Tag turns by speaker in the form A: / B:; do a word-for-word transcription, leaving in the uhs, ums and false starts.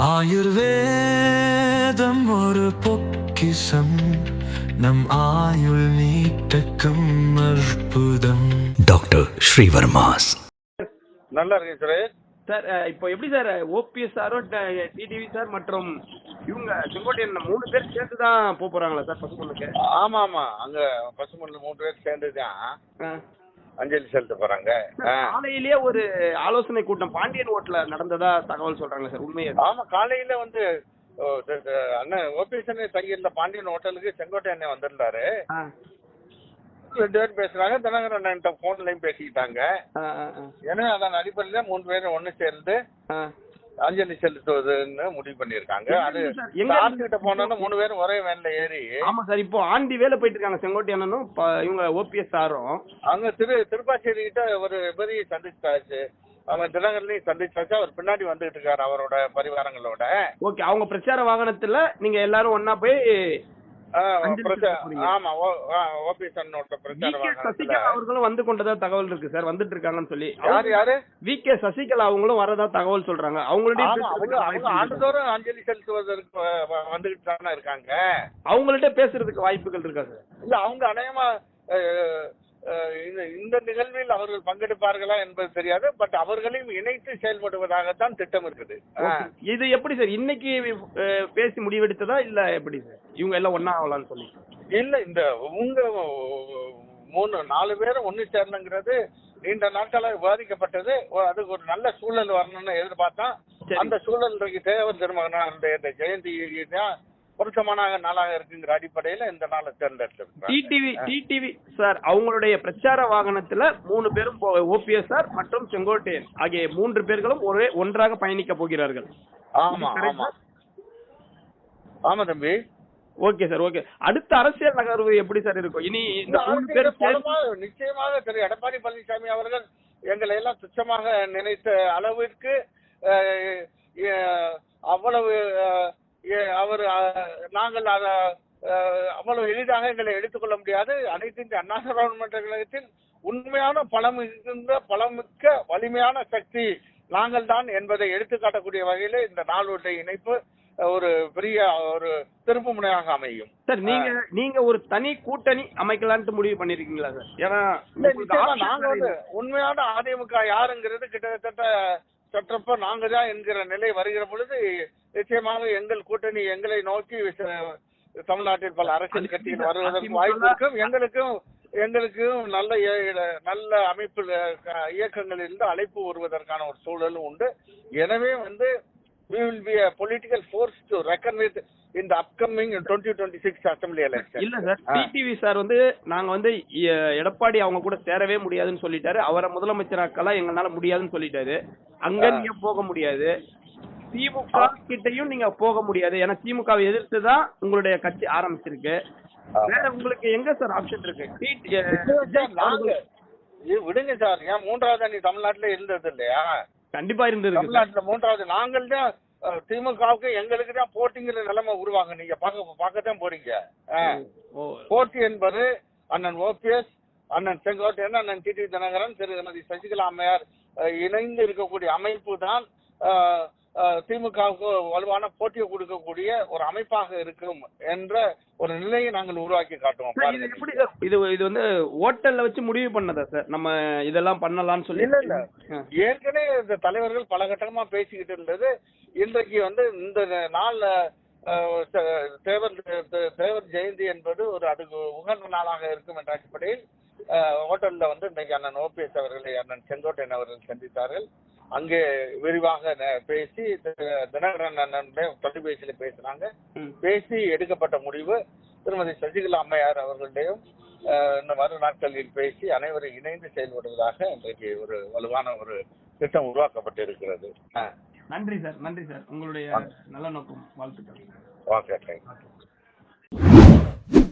A: ஆயுர்வேதம் ஒரு பொக்கிஷம், நம் ஆயுள் நீட்டக்கும் அற்புதம். டாக்டர் ஸ்ரீவர்மாஸ்.
B: நல்லா இருக்கு சார்.
C: சார் இப்போ எப்படி சார் ஓபிஎஸ் சாரும் டிடிவி சார் மற்றும் இவங்க செங்கோட்டையன் மூணு பேர் சேர்ந்து தான் போக போறாங்களா சார் பசுமண்ணுக்கு?
B: ஆமா ஆமா, அங்க பசுமண்ணுல மூணு பேர் சேர்ந்து தான் அஞ்சலி செலுத்த போறாங்க.
C: காலையிலேயே ஒரு ஆலோசனை கூட்டம் பாண்டியன் ஹோட்டல்ல நடந்ததா தகவல் சொல்றாங்க சார், உண்மையா?
B: ஆமா, காலையில வந்து அண்ணன் ஓபிஎஸ் தங்கியிருந்த பாண்டியன் ஹோட்டலுக்கு செங்கோட்டை அண்ணன் வந்திருந்தாரு. ரெண்டு பேரும் பேசுறாங்க, தினகரன் அண்ணன் போன்லயும் பேசிக்கிட்டாங்க. ஏன்னா அதன் அடிப்படையில மூணு பேரும் ஒண்ணு சேர்ந்து அஞ்சலி செலுத்துவதுன்னு முடிவு பண்ணிருக்காங்க. அது கிட்ட போனோம்னா மூணு பேரும் ஒரே வேன்ல ஏறி.
C: ஆமா சார், இப்போ ஆண்டி வேலை போயிட்டு இருக்காங்க செங்கோட்டை அண்ணனும் இவங்க ஓபிஎஸ் சாரும்.
B: அங்க திரு திருப்பாச்சேரி கிட்ட ஒரு பெரிய சந்திச்சாச்சு, அவங்க தினகரனையும் சந்திச்சாச்சு. அவர் பின்னாடி வந்துகிட்டு இருக்காரு அவரோட பரிவாரங்களோட.
C: ஓகே, அவங்க பிரச்சார வாகனத்துல நீங்க எல்லாரும் ஒன்னா போய் அவர்களும் வந்து கொண்டதா தகவல் இருக்கு சார், வந்துட்டு இருக்காங்கன்னு சொல்லி.
B: யாரு யாரு
C: வி கே சசிகலா அவங்களும் வரதா தகவல் சொல்றாங்க. அவங்களுடைய
B: ஆண்டுதோறும் அஞ்சலி செலுத்துவதற்கு வந்துகிட்டு தானே இருக்காங்க.
C: அவங்கள்ட்ட பேசுறதுக்கு வாய்ப்புகள் இருக்கா சார்?
B: இல்ல, அவங்க அநேகமா இந்த நிகழ்வில் அவர்கள் பங்கெடுப்பார்களா என்பது தெரியாது. பட் அவர்களையும் இணைத்து செயல்படுவதாகத்தான் திட்டம் இருக்குது.
C: இது எப்படி சார் இன்னைக்கு பேசி முடிவெடுத்ததா இல்ல எப்படி சார் இவங்க எல்லாம் ஒன்னா ஆகலாம்னு சொல்லி?
B: இல்ல, இந்த உங்க மூணு நாலு பேரும் ஒண்ணு சேரணுங்கிறது நீண்ட நாட்களாக விவாதிக்கப்பட்டது. அதுக்கு ஒரு நல்ல சூழல் வரணும்னு எதிர்பார்த்தா அந்த சூழல் தேவர் திருமகனுடைய ஜெயந்தி தான் பொருத்தமான நாளாக இருக்குங்கிற அடிப்படையில இந்த நாளை தேர்ந்தெடுத்திருக்காங்க.
C: டிடிவி டிடிவி சார் அவங்களுடைய பிரச்சார வாகனத்துல மூணு பேரும் ஓபிஎஸ் சார் மற்றும் செங்கோட்டையன் ஆகிய மூன்று பேர்களும் ஒரே ஒன்றாக பயணிக்க போகிறார்கள்.
B: ஆமா ஆமா ஆமா தம்பி.
C: Okay sir, okay. அடுத்த அரசியல் நகர்வு எப்படி சார் இருக்கும் இனி? இந்த மூணு பேர்
B: நிச்சயமாக திரு எடப்பாடி பழனிசாமி அவர்கள் எங்களை எல்லாம் துச்சமாக நினைத்த அளவிற்கு அவ்வளவு அவர் நாங்கள் அத அவ்வளவு எளிதாக எங்களை எடுத்துக்கொள்ள முடியாது. அனைத்து இந்திய அண்ணா திராவிட கழகத்தில் உண்மையான பலம் இருக்கின்ற பலமிக்க வலிமையான சக்தி நாங்கள் தான் என்பதை எடுத்துக்காட்டக்கூடிய வகையில இந்த நாளுடைய இணைப்பு ஒரு பெரிய ஒரு திருப்பு முனையாக அமையும்.
C: சார், நீங்க நீங்க ஒரு தனி கூட்டணி அமைக்கலான்ட்டு முடிவு பண்ணிருக்கீங்களா சார்? ஏன்னா
B: நாங்க வந்து உண்மையான அதிமுக யாருங்கிறது கிட்டத்தட்ட சற்றப்ப நாங்க தான் என்கிற நிலை வருகிற பொழுது நிச்சயமாக எங்கள் கூட்டணி எங்களை நோக்கி தமிழ்நாட்டில் பல அரசியல் கட்சிகள் வருவதற்கு வாய்ப்பு இருக்கும். எங்களுக்கும் எங்களுக்கும் நல்ல நல்ல அமைப்பு இயக்கங்களில் இருந்து அழைப்பு வருவதற்கான ஒரு சூழலும் உண்டு. எனவே வந்து we will be a political force to reckon with in the upcoming twenty twenty-six assembly election.
C: இல்ல சார், டிடிவி சார் வந்து நாங்க வந்து எடப்பாடி அவங்க கூட சேரவே முடியாதுன்னு சொல்லிட்டாரு. அவரை முதலமைச்சராக்கலாம் எங்களால முடியாதுன்னு சொல்லிட்டாரு. அங்க நீங்க போக முடியாது, திமுக கிட்டையும் நீங்க போக முடியாது. ஏன்னா திமுகவை எதிர்த்து தான் உங்களுடைய கட்சி ஆரம்பிச்சிருக்கு. வேற உங்களுக்கு எங்க சார் ஆப்ஷன் இருக்கு?
B: விடுங்க சார், ஏன் மூன்றாவது அணி தமிழ்நாட்டுல இருந்தது இல்லையா?
C: கண்டிப்பா இருந்தது
B: தமிழ்நாட்டுல மூன்றாவது நாங்கள் தான். திமுகவுக்கு எங்களுக்கு தான் போட்டிங்கிற நிலைமை உருவாங்க. நீங்க பாக்க பாக்கத்தான் போறீங்க. போட்டி என்பது அண்ணன் ஓபிஎஸ், அண்ணன் செங்கோட்டையன், அண்ணன் டிடி தினகரன், திருமதி சசிகலா அம்மையார் இணைந்து இருக்கக்கூடிய அமைப்பு தான் திமுகவுக்கு வலுவான போட்டியை கொடுக்கக்கூடிய ஒரு அமைப்பாக இருக்கும் என்ற ஒரு நிலையை நாங்கள் உருவாக்கி காட்டுவோம்.
C: இது இது வந்து ஓட்டல்ல வச்சு முடிவு பண்ணதா சார் நம்ம இதெல்லாம் பண்ணலாம்னு சொல்லி?
B: இல்ல இல்ல, ஏற்கனவே இந்த தலைவர்கள் பல கட்டமா பேசிக்கிட்டு இருந்தது. இன்றைக்கு வந்து இந்த நாள்ல தேவர் தேவர் ஜெயந்தி என்பது ஒரு அதுக்கு உகந்த நாளாக இருக்கும் என்ற அடிப்படையில் ஹோட்டல்ல வந்து இன்றைக்கு அண்ணன் ஓபிஎஸ் அவர்களை அண்ணன் செங்கோட்டையன் அவர்கள் சந்தித்தார்கள். அங்கே விரிவாக பேசி தினகரன் அண்ணன் தொலைபேசியில பேசினாங்க. பேசி எடுக்கப்பட்ட முடிவு திருமதி சசிகலா அம்மையார் அவர்களுடையும் இந்த மறு நாட்களில் பேசி அனைவரும் இணைந்து செயல்படுவதாக இன்றைக்கு ஒரு வலுவான ஒரு திட்டம் உருவாக்கப்பட்டு இருக்கிறது.
C: நன்றி சார், நன்றி சார், உங்களுடைய நல்ல நோக்கம் வாழ்த்துக்கள்.
B: Okay, thank you.